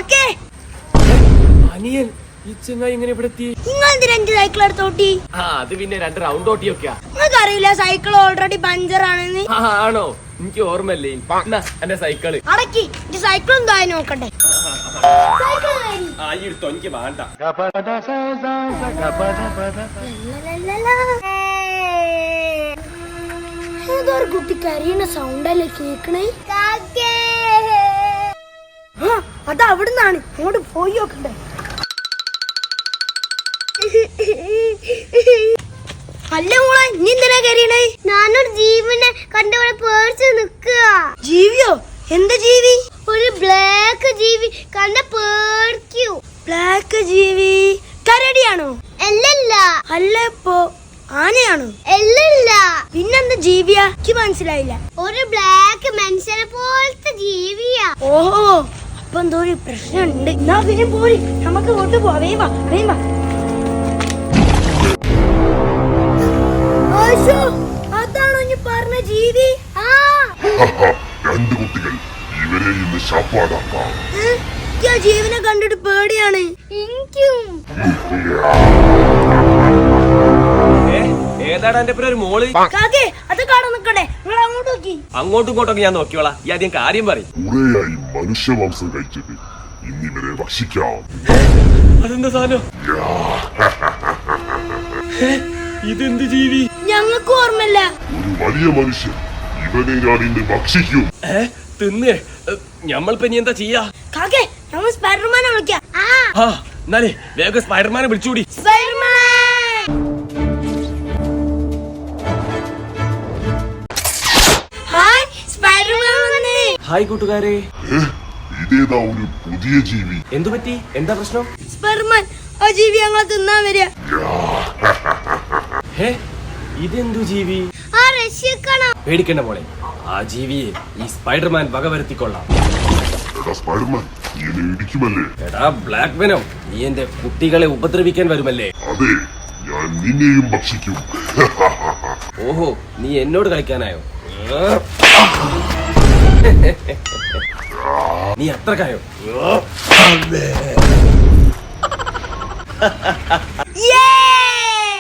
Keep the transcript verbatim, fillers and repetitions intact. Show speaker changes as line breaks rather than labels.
അനിയൻ ഈ ചെങ്ങായി ഇങ്ങനെ ഇവിടെ എത്തി?
രണ്ട് സൈക്കിൾ എടുത്തോട്ടി.
ആ അത് പിന്നെ രണ്ട് റൗണ്ട് ഓട്ടിയൊക്കെയാ.
നിങ്ങൾക്ക് അറിയില്ല സൈക്കിൾ ഓൾറെഡി പഞ്ചർ ആണെന്ന്?
ആണോ? എനിക്ക് ഓർമ്മല്ലേ. എന്റെ സൈക്കിള്
അടക്കി സൈക്കിൾ എന്തായി നോക്കട്ടെ.
ആ എടുത്തോ, എനിക്ക് വേണ്ട.
ഏതൊരു കുട്ടി കരയുന്ന സൗണ്ടല്ലേ കേക്കണേ? അത് അവിടുന്നാണ്, അങ്ങോട്ട് പോയി നോക്കണ്ടേ. അല്ല മോളെ, നീ എന്തിനാ കരയണേ?
ഞാനൊരു ജീവനെ കണ്ടവിടെ പേടിച്ച് നിക്കുക.
ജീവിയോ? എന്ത് ജീവി?
ഒരു ബ്ലാക്ക് ജീവി കണ്ട പേടിക്കൂ.
ബ്ലാക്ക് ജീവി കരടിയാണോ?
അല്ലല്ല.
അല്ല ഇപ്പോ ആനയാണോ?
അല്ലല്ല.
പിന്നെന്താ ജീവിയാ? എനിക്ക് മനസ്സിലായില്ല.
ഒരു ബ്ലാക്ക് മനുഷ്യനെ പോലത്തെ ജീവിയാ.
ഓഹോ, അപ്പൊ എന്തോ ഒരു പ്രശ്നമുണ്ട്. എന്നാ പിന്നെ പോരി, നമുക്ക് കൊണ്ട് പോവാ. വേഗം വാ, വേഗം വാ. അതാണോ ഇനി പറഞ്ഞ ജീവി?
ആ
രണ്ട് കുട്ടികൾ ഇവരെ ഇന്ന് ശാപ്പാടാക്കാം.
ജീവനെ കണ്ടിട്ട് പേടിയാണ്
എനിക്കും.
ഏതാടാ എന്റെ പേര്? ഒരു മോള്.
കാക്കേ അത് കാണാൻ നിക്കട്ടെ, നിങ്ങൾ അങ്ങോട്ട് നോക്കി.
അങ്ങോട്ടും ഇങ്ങോട്ടൊക്കെ ഞാൻ നോക്കിയോളാം. ഈ ആദ്യം കാര്യം പറയും.
കുറേയായി മനുഷ്യമാംസം കഴിച്ചിട്ട് ഇന്നിവരെ ഭക്ഷിക്കാം.
അതെന്താ സാധനം? ഇതെന്ത് ജീവി?
ഞങ്ങൾക്ക് ഓർമ്മല്ല.
ഒരു വലിയ മനുഷ്യൻ, ഇവനെ ഞാൻ ഇന്ന് ഭക്ഷിക്കും.
ഏ തിന്നേ? ഞമ്മളിപ്പോ ഇനി എന്താ ചെയ്യാ?
കാക്കേ നമ്മൾ സ്പൈഡർമാനെ വിളിക്കാം.
ആ എന്നാലേ വേഗം സ്പൈഡർമാനെ വിളിച്ചുകൂടി.
സ്പൈഡർമാൻ. Hi spiderman.
ഹായ് കൂട്ടുകാരെ.
ഇതേതാ ഒരു പുതിയ ജീവി?
എന്തു പറ്റി? എന്താ പ്രശ്നം?
സ്പൈഡർമാൻ, ആ ജീവി ഞങ്ങളെ തിന്നാൻ വരിക.
ഹേ ഇതെന്തു ജീവി?
ആ രക്ഷിക്കണം.
പേടിക്കണ്ട മോളെ, ആ ജീവിയെ ഈ സ്പൈഡർമാൻ വകവരുത്തിക്കൊള്ളാം.
എടാ സ്പൈഡർമാൻ, നീ എന്നെ ഇടിക്കുമല്ലേ?
എടാ ബ്ലാക്ക് വെനം, നീ എന്റെ കുട്ടികളെ ഉപദ്രവിക്കാൻ വരുമല്ലേ?
അതെ, ഞാൻ നിന്നെയും ഭക്ഷിക്കും.
ഓഹോ, നീ എന്നോട് കളിക്കാനായോ? നീ അത്രക്കായോ?